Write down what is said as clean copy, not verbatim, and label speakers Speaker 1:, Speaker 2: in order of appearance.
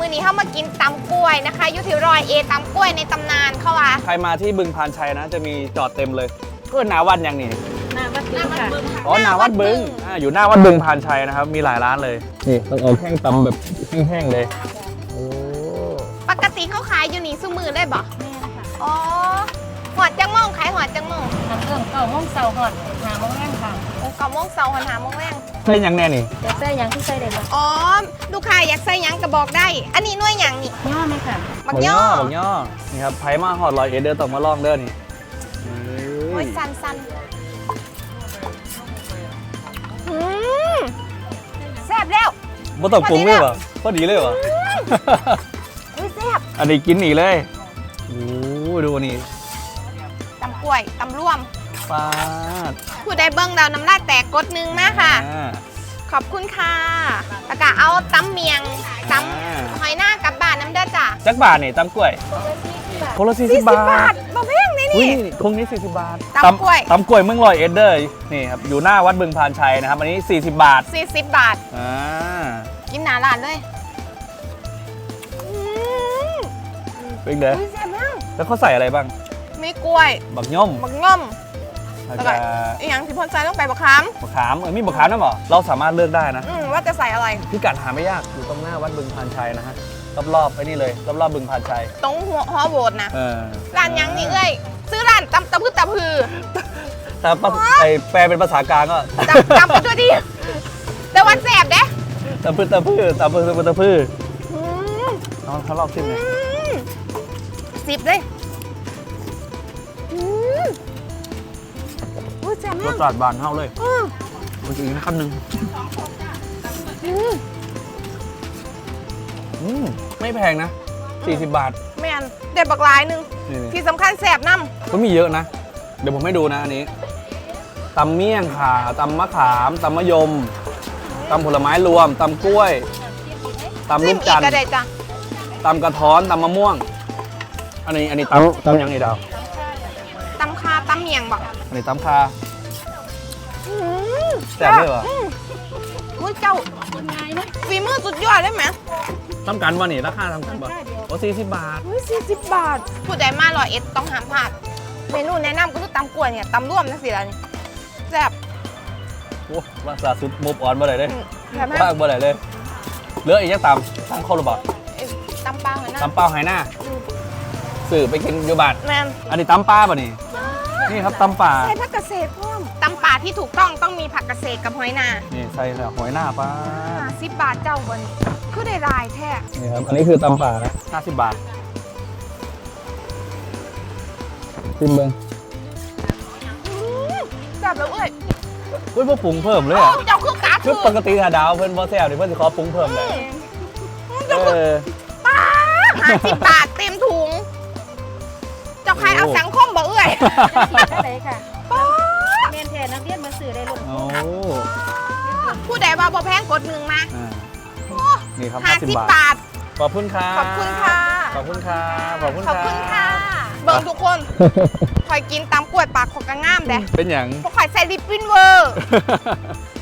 Speaker 1: มื้อนี้เข้ามากินตำกล้วยนะคะอยู่ที่100 เอตำกล้วยในตำนานเขาว่า
Speaker 2: ใครมาที่บึงพานชัยนะจะมีจอดเต็มเลยก็หนาวัดยังนี่
Speaker 3: หน้าวัดบึงค่ะ
Speaker 2: อ๋อหนาวัดบึงอยู่หน้าวัดบึงพานชัยนะครับมีหลายร้านเลยนี่ต้องเอาแห้งตำแบบแห้งๆเลยโอ้
Speaker 1: ปกติเขาขายอยู่นี่ซุมือได้บ่
Speaker 3: แม่ค่ะ
Speaker 1: อ๋อหอดจังม่องขายหอดจังม่อง
Speaker 3: ทำเครื่องเก่าห้องเสาหอดหาโมงแรกค่ะ
Speaker 1: 9 โมงเช้าหอด5 โมงแรง
Speaker 2: ใช่ยังแน่นี่
Speaker 3: แต่ใส่ยังที่ใส่ได้บ่
Speaker 1: อ๋อลูกค้าอยากใส่หยังก็บอกได้ อันนี้หน่วยหยังนี่
Speaker 3: ย่อไหมค่ะ
Speaker 1: บักย่อ
Speaker 2: บักย่อนี่ครับไผ่มาหอด100 เอเดอร์ต้องมาลองเด้อนี่
Speaker 1: โอ้ยสันสันอืมแซ่บแล้ว
Speaker 2: บ่ต้องปรุงเลยเหรอพอดีเลยเหรอ
Speaker 1: อุ้ยแซ่บ
Speaker 2: อันนี้กินอีกเลยโอ้ดูนี่
Speaker 1: ตำกล้วยตำร่วม
Speaker 2: ปาด
Speaker 1: ผู้ใดเบิ้งดาวน้ำลายแตกกดหนึงมาค่ะ ขอบคุณค่ะแล้วก็เอาตำเมียงตำหอยหน้ากลับบ้านน้ำเด้อจ้ะ
Speaker 2: จักบาทนี่ตำกล้วยคนละ40
Speaker 1: 40
Speaker 2: บา
Speaker 1: บา
Speaker 2: ท
Speaker 1: ทบ่แพงเลย
Speaker 2: อุ้ย
Speaker 1: นี่
Speaker 2: คงนี้40 บาท
Speaker 1: ตำกล้วย
Speaker 2: ตำกล้วยเมือง100 เอเดอร์นี่ครับอยู่หน้าวัดบึงพานชัยนะครับอันนี้40 บาท
Speaker 1: 40 บาท
Speaker 2: อ่า
Speaker 1: กินหนาร้านเลยอืม
Speaker 2: เป็นเด้อ
Speaker 1: อุ้ยแซ่บมาก
Speaker 2: แล้วเขาใส่อะไรบ้าง
Speaker 1: มีกล้วย
Speaker 2: บักย่อม
Speaker 1: บักง่อม
Speaker 2: แล้ว
Speaker 1: แล้ว
Speaker 2: ก็
Speaker 1: ก็อีกอย่างที่พ่นใจต้องไปบักขาม
Speaker 2: มะขามมีมะขามด้วยเหรอเราสามารถเลือกได้นะ
Speaker 1: ว่าจะใส่อะไร
Speaker 2: พิกัดหาไม่ยากอยู่ตรงหน้าวัดบึงพานชัยนะฮะรอบๆไอ้นี่เลยรอบๆบึงพานชัย
Speaker 1: ตรงหัวฮอโบดนะ
Speaker 2: เออ
Speaker 1: ร้านหยังนี่เอ้ยซื้อร้านตำตะพืตะพือ
Speaker 2: แต่ไอแปลเป็นภาษากลางก็
Speaker 1: ตำไปด้วยดิแต่วันแสบเด้
Speaker 2: ตะพื้ตะพื้ตะพื้ตะพื้
Speaker 1: อืม
Speaker 2: เอาเขาลอกชิมเลย
Speaker 1: 10เลยอืมอุ้ยแซ่บ
Speaker 2: ร
Speaker 1: มา
Speaker 2: ส
Speaker 1: ก
Speaker 2: จัดบานเท่าเลย
Speaker 1: อืม
Speaker 2: มันจะอีกนะคำหนึ่ง
Speaker 1: อืม
Speaker 2: ไม่แพงนะ40 บาท
Speaker 1: แม่นเด็ดบักหลายหนึง
Speaker 2: นี่
Speaker 1: ที่สำคัญแสบน้
Speaker 2: ก็มีเยอะนะ เดี๋ยวผมให้ดูนะอันนี้ตำเมี่ยงข่าตำมะขามตำมะยมตำผลไม้รวมตำกล้วย
Speaker 1: ำ
Speaker 2: ตำ
Speaker 1: ซิ
Speaker 2: ลู
Speaker 1: ม
Speaker 2: ก
Speaker 1: อี
Speaker 2: จั
Speaker 1: ก
Speaker 2: นท
Speaker 1: ก็
Speaker 2: ร์
Speaker 1: ได้จ้ะ
Speaker 2: ตำกระท้อนตำมะม่วง อันนี้ตำยังไงดาว
Speaker 1: ตำคาตำเมียงบอก
Speaker 2: อันนี้ตำคา
Speaker 1: อืม
Speaker 2: แซ่บเลยเหรอ
Speaker 1: อุ้ยเจ้า
Speaker 3: คนง่ายไหม
Speaker 1: ฝีมือสุดยอดเลยไหม
Speaker 2: ทำกันบ่นี่ราคาทำกันบ่โอ้40 บาท
Speaker 1: อุ้ย40 บาท ผู้ใดมา100 เอ็ดต้องห้ามพลาดเมนูแนะนำก็คือตำกล้วยเนี่ยตำร่วมนะสิล่ะนี่แซ่บ
Speaker 2: โอ้ภาษาสุดมูฟออนบ่ได้เลย
Speaker 1: แซ่บมาก
Speaker 2: ว่างบ่ได้เลยเหลืออีกยังตำข้าวหรือเปล่า
Speaker 1: ตำปลาหอยนางรม
Speaker 2: ตำเปล่าไหหน้าสื่อไปกินอยู่บาท
Speaker 1: แมน
Speaker 2: อันนี้ตำปลาป่ะนี่นี่ครับตำป่า
Speaker 1: ใส่ผักเกษตรเพิ่มตำป่าที่ถูกต้องมีผักเกษตรกับหอยนา
Speaker 2: นี่ใส่หอยหน้าปลา
Speaker 1: 10 บาทเจ้าบนคือได้รายแท้
Speaker 2: นี่ครับอันนี้คือตำป่านะ50 บาทชิมเบิ้ง
Speaker 1: แซ่บแล้วเอ้ย
Speaker 2: เฮ้ยพวกปรุงเพิ่มเลย
Speaker 1: โอ้
Speaker 2: อ่ะ
Speaker 1: เจ้าคือกา
Speaker 2: คือปกติถ้าดาวเพิ่นบ่แซ่บนี่เพิ่นสิขอปรุงเพิ่มเลย
Speaker 1: เจ้าคือป้า50 บาทเต็มถุง เจ้าใครเอาสังคมบ่เอ้ย
Speaker 3: ได้เลยค่ะ
Speaker 1: ป้า
Speaker 3: แม่นแทนนักเรียนมาสื่อได้ลง
Speaker 2: โอ้
Speaker 1: ผู้ใดว่าบ่แพงกดหนึ่งมา
Speaker 2: อ่านี่ครับ
Speaker 1: 50
Speaker 2: 50 บาท
Speaker 1: บาท
Speaker 2: ขอบคุณครับ
Speaker 1: ขอบคุณค่ะ
Speaker 2: ขอบคุณครับขอบคุณ
Speaker 1: ขอบคุณค่ะ เบิ่งทุกคนคอยกินตามกล้วยปากของกระง่ามเด้
Speaker 2: เป็นอย่าง
Speaker 1: พวกข่อยใส่ลิปปิ้นเวอร์